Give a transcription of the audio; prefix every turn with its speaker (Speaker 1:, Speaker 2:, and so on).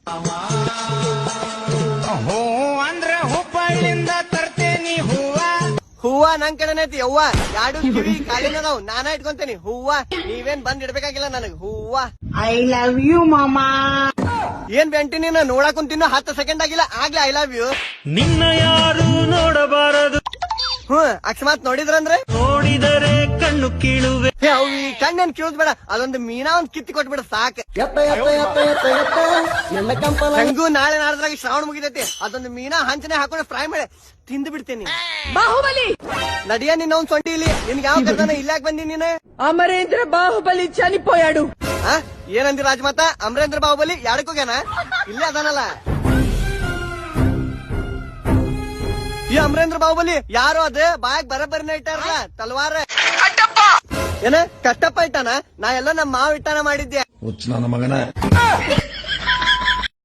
Speaker 1: ಹೂ ಅಂದ್ರೆ ಹುಬ್ಬಳ್ಳಿಂದ ತರ್ತೇನಿ ಹೂವ.
Speaker 2: ಹೂವ ನನ್ ಕಡೆನೇ ಐತಿ ಯವ್ವ. ಎರಡು ಕಿವಿ ಕಾಲಿನದಾವ್, ನಾನ ಇಟ್ಕೊಂತೇನಿ ಹೂವ. ನೀವೇನ್ ಬಂದ್ ಇಡ್ಬೇಕಾಗಿಲ್ಲ ನನಗ್ ಹೂವ.
Speaker 3: ಐ ಲವ್ ಯು ಮಾಮಾ.
Speaker 2: ಏನ್ ಬೆಂಟಿ ನೀನು ನೋಡಕ್ ಕುಂತಿನ್ನು 10 ಸೆಕೆಂಡ್ ಆಗಿಲ್ಲ ಆಗ್ಲೇ ಐ ಲವ್ ಯು.
Speaker 1: ನಿನ್ನ ಯಾರು ನೋಡಬಾರದು,
Speaker 2: ಅಕಸ್ಮಾತ್ ನೋಡಿದ್ರಂದ್ರೆ
Speaker 1: ನೋಡಿದರೆ ಕಣ್ಣು ಕೀಳುವೆ.
Speaker 2: ಅವ್ ಈ ಕಣ್ಣೇನ್ ಕಿಳುದ್ ಬೇಡ, ಅದೊಂದು ಮೀನಾ ಒಂದ್ ಕಿತ್ತಿ ಕೊಟ್ಬಿಡ ಸಾಕ್. ಹೆಂಗೂ ನಾಳೆ ನಾಡ್ದ್ರಾಗ ಶ್ರಾವಣ ಮುಗಿದೈತಿ, ಅದೊಂದು ಮೀನಾ ಹಂಚನೆ ಹಾಕೊಂಡು ಫ್ರೈ ಮಾಡಿ ತಿಂದು ಬಿಡ್ತೇನಿ.
Speaker 3: ಬಾಹುಬಲಿ
Speaker 2: ನಡಿಯ ನಿನ್ನ ಒಂದ್ ಸೊಂಟಿ ಇಲ್ಲಿ. ನಿನ್ಗೆ ಯಾವ ಕರ್ದಾನ ಇಲ್ಲಾಕ್ ಬಂದಿ ನೀನು?
Speaker 3: ಅಮರೇಂದ್ರ ಬಾಹುಬಲಿ ಚನಿಪೋಯಾಡು.
Speaker 2: ಏನಂದಿ ರಾಜಮಾತ? ಅಮರೇಂದ್ರ ಬಾಹುಬಲಿ ಯಾಡಕ್ಕೋಗ್ಯಾನ? ಇಲ್ಲೇ ಅದಾನಲ್ಲ ಈ ಅಮರೇಂದ್ರ ಬಾಹುಬಲಿ. ಯಾರು ಅದ ಬಾಯಾಗ ಬರಬರಿನ ಇಟ್ಟಾರಲ್ಲ ತಲ್ವಾರ. ಏನ ಕಟ್ಟಪ್ಪ ಇಟ್ಟಾನ? ನಾ ಎಲ್ಲ ನಮ್ಮ ಮಾವ ಇಟ್ಟಾನ ಮಾಡಿದ್ದೆ.
Speaker 4: ನನ್ನ ಮಗನ